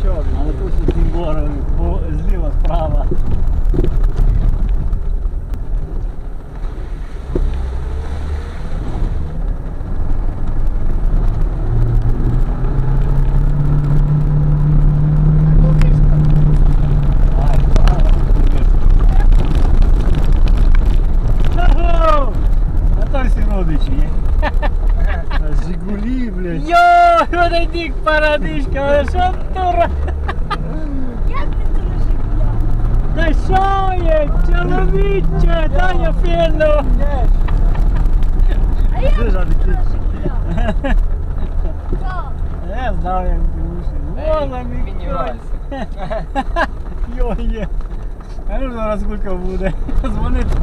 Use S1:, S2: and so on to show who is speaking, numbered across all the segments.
S1: нічого.
S2: Але тут у цим борові, зліва, справа.
S1: Жигулі, блядь.
S2: Йой, подойди, парадишка, але що тура?
S3: Як ти це не жигуля?
S2: Та що є, чоловіче, дай я фіну.
S3: А як
S1: Це
S3: ти
S1: ж
S3: це
S1: такі.
S3: не жигуля? Що?
S2: Я знав, як дивишся. Вола мій
S4: Мінівайся.
S2: Йой є. А ну зараз скільки буде. Дзвонить.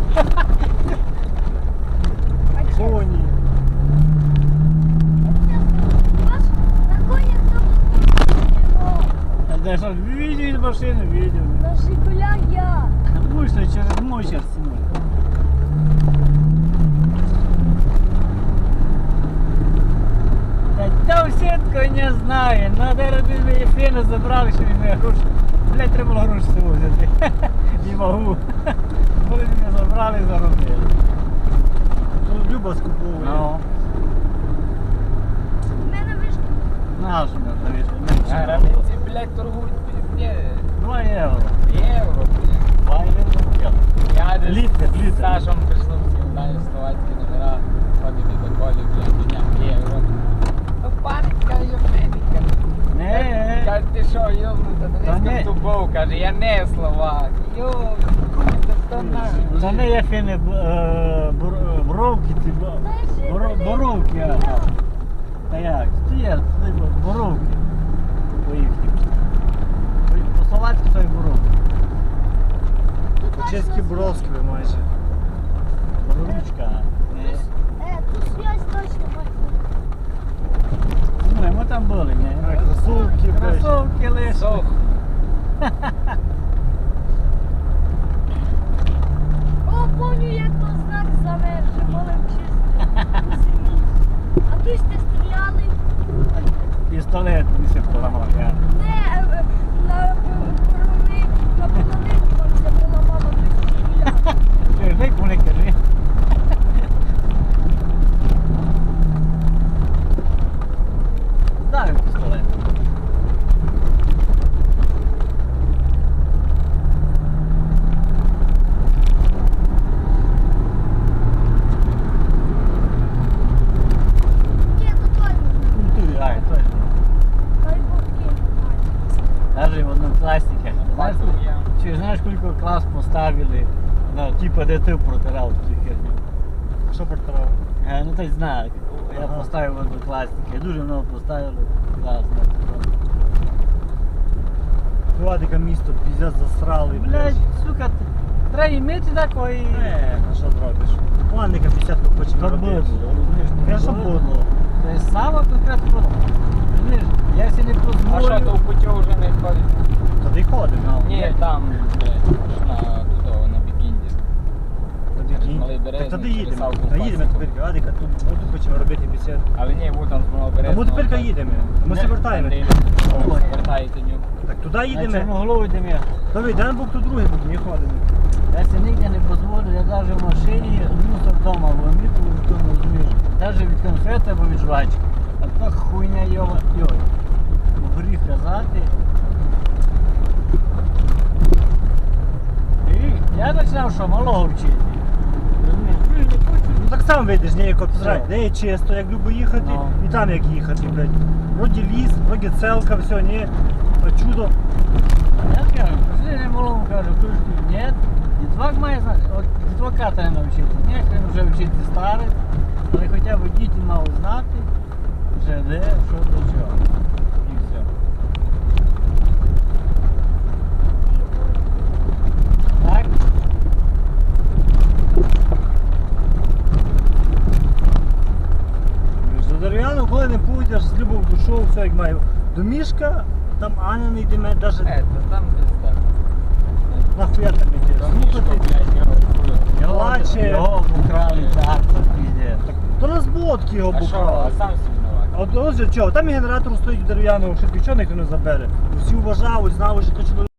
S3: А чого?
S1: Коні.
S3: Ваш на коні хто?
S2: А де що, видів з машини, видів.
S3: На жигуля я.
S2: Вийшли через мочер стіну. Та сітку не знає, надо робити фіну забрали, що він не гроші. Блять, треба було гроші з собою взяти. Не можу. Коли мене забрали, заробили.
S1: Тут Люба скуповує.
S2: Ну,
S3: У мене вишка.
S2: наш мене завішли.
S4: Границі, блядь, торгують пізде.
S2: 2 євро.
S4: Євро, блядь.
S2: 2 євро.
S4: Я десь
S2: Літр,
S4: з
S2: літр.
S4: Сашем прийшов в Сілдані, словацькі номера, ходили до колі, блядь, підняв євро. Ну, паника, йобненька.
S2: Не.
S4: Каже, ти що, йобнута,
S2: Та
S4: не
S2: не.
S4: тубов, каже, я не словак. Йобнута, то наш.
S2: За неї фіни боровки, ці боровки. Та як? Стоять, боровки. По їхнім. По-словацьки то й боровки.
S1: По-чеськи броскви майже.
S2: Боровичка.
S3: Тут связь точно має.
S2: Ну, ми там були, не?
S1: Кросовки, блядь.
S2: Кросовки лише.
S4: Сох.
S3: О, помню, як то знак замерже, молим чисто. У селі. А тут сте стріляли.
S2: Пістолет висів поламав, я.
S3: Не, на полонині вам це була мама, тут стріляли.
S2: Ти ж дай куни кажи. Знаю пістолет.
S3: Ні, то той
S2: Ну, ти, ай, точно.
S3: той був
S2: Даже в одному классике. Знаешь,
S4: Бачив я.
S2: чи знаешь, сколько класс поставили, ну, типа, де ти протирав цю херню?
S1: Що портував?
S2: Ну, ти знак. Я
S1: Ага.
S2: поставив в однокласники. Дуже много поставили. Класно.
S1: Владика місто піздець засрали,
S2: Блять, сука, треба іметь такої.
S1: А що зробиш? Владика 50-ку хочемо
S2: Как
S1: робити.
S2: было, розумієш?
S1: Конечно, було.
S2: То есть саме конкретно було. Розумієш, я себе не
S4: А що,
S2: позволю.
S4: то в путю вже не ходить?
S1: Туди ходимо.
S4: Ні, там, блядь, на туди, на Бікінді.
S1: Тоді
S4: Малий
S1: Так
S4: Березник,
S1: тоді
S4: через
S1: їдемо.
S4: Савку
S1: Та їдемо
S4: Пасіку.
S1: тепер. Владика тут хочемо робити бесіду.
S4: Але ні, бо там з Малого
S1: А
S4: Березного.
S1: ми тепер їдемо. Ми
S2: Не,
S1: все вертаємо.
S4: Вертаєте ню.
S1: Так туди
S2: На
S1: їдемо.
S2: Чорноголовий йдемо я.
S1: Давай, дай бук тут другий бук, не ходимо.
S2: Я себе нігде не дозволю, я навіть в машині мусор вдома виміту, то не розумієш. Навіть від конфети або від жвачки. А то хуйня йова. Йой. Гріх казати. І я починав, що малого вчити. Розумієш?
S1: Ну так сам вийдеш, не як обсрать.
S2: Що?
S1: Де є чисто, як люблю їхати,
S2: Ну.
S1: і там як їхати, блядь. Вроді ліс, вроді целка, все, ні. А чудо.
S2: Я кажу, послідній малому кажу, кружки, ні. Дітвак має знати. От дітвака треба навчити. Ніхто вже вчити старий, але хоча б діти мали знати, вже де, що до чого. І все. Так?
S1: За дерев'яну, коли не пойдеш, з любов душою, все як маю. До мішка, там Аня не йде, навіть
S4: Там пизда.
S1: нахуя там йдеш.
S4: Там мішко,
S1: Слухати.
S4: блядь, його.
S1: Плаче.
S2: Його украли так, то піздець.
S1: То розводки його
S4: А що,
S1: бухали.
S4: а сам собі винуватий.
S1: От ось чого, там і генератор стоїть дерев'яного, що нічого ніхто не забере. Всі вважали, знали, що то чоловік